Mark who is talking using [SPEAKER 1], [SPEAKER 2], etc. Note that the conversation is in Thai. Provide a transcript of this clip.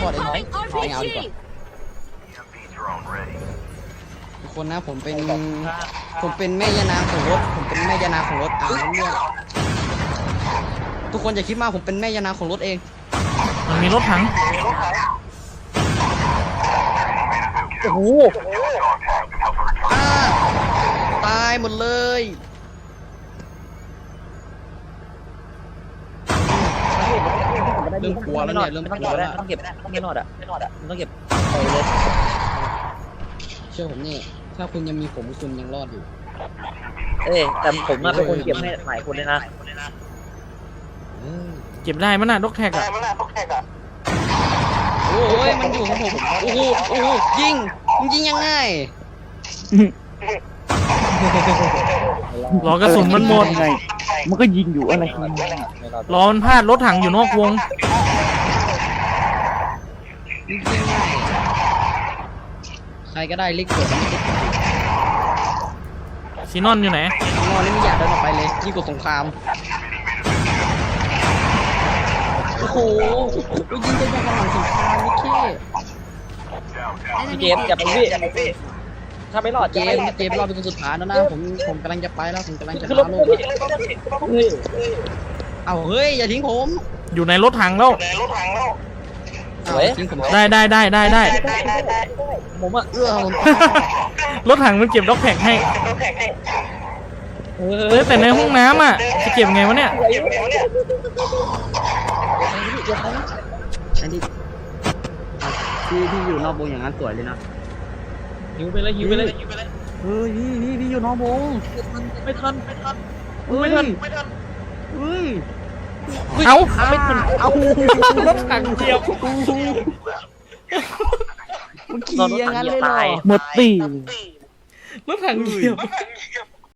[SPEAKER 1] อดไอ้น้องไม่เอาดีกว่าทุกคนนะผมเป็นแม่ยานางของรถผมเป็นแม่ยานางของรถเนี่ยทุกคนอย่าคิดมากผมเป็นแม่ยานางของรถเอง
[SPEAKER 2] มันมีรถถัง
[SPEAKER 3] โอ้โห
[SPEAKER 1] ตายหมดเลยเริ่มกลัวแล้วเนี่ยเริ่มกลัวแล้ว
[SPEAKER 3] ต้องเก็บไม่รอดอ่ะต้องเก็บเลย
[SPEAKER 1] เชื่อผมนี่ถ้าคุณยังมีผมคุณยังรอดอยู่
[SPEAKER 3] แต่ผมมาเป็นคนเก็บให้หลายคนเลยนะ
[SPEAKER 2] เก็บได้มั้ยน่ะด็อกแท็กอ่ะ
[SPEAKER 1] โอ้ยมันอยู่ของผมโอ้โหยิงยังไง
[SPEAKER 2] รอกระสุนมันหมด
[SPEAKER 3] มันก็ยิงอยู่อะไร
[SPEAKER 2] รอมันพลาดรถถังอยู่นอกวง
[SPEAKER 1] ใครก็ได้ลิกเกิด
[SPEAKER 2] ซีนอนอยู่ไหน
[SPEAKER 1] นอนนี่ไม่อยากเดินออกไปเลยยิ่งกว่าสงครามโอ้โหยิงจะยังกันหลังสงครามนี่
[SPEAKER 3] พี่เจมจับพี่ถ้าไม่รอด
[SPEAKER 1] เจมรอเป็นคนสุดท้ายแล้วนะผมกำลังจะไปแล้วผมกำลังจะพาลงเอาเฮ้ยอย่าทิ้งผม
[SPEAKER 2] อยู่ในรถถังแล้วได้
[SPEAKER 3] ผมอะ
[SPEAKER 2] รถถังมันเก็บด็อกแท็กให้แต่ในห้องน้ำอ่ะจะเก็บไงวะเนี่ย
[SPEAKER 1] อันนี้ที่อยู่นอกวงอย่างนั้นสวยเลยนะ
[SPEAKER 3] หิวไปเลย
[SPEAKER 1] เฮ้ยพี่อยู่นอกวง
[SPEAKER 3] ไม่ทัน
[SPEAKER 1] เฮ้ย
[SPEAKER 2] เอา
[SPEAKER 1] ไม่ทันเอา
[SPEAKER 2] รถถังเดียว
[SPEAKER 1] มันขี่อย่างนั้นเลยเหรอ
[SPEAKER 3] หมดตี
[SPEAKER 2] รถถังเดียว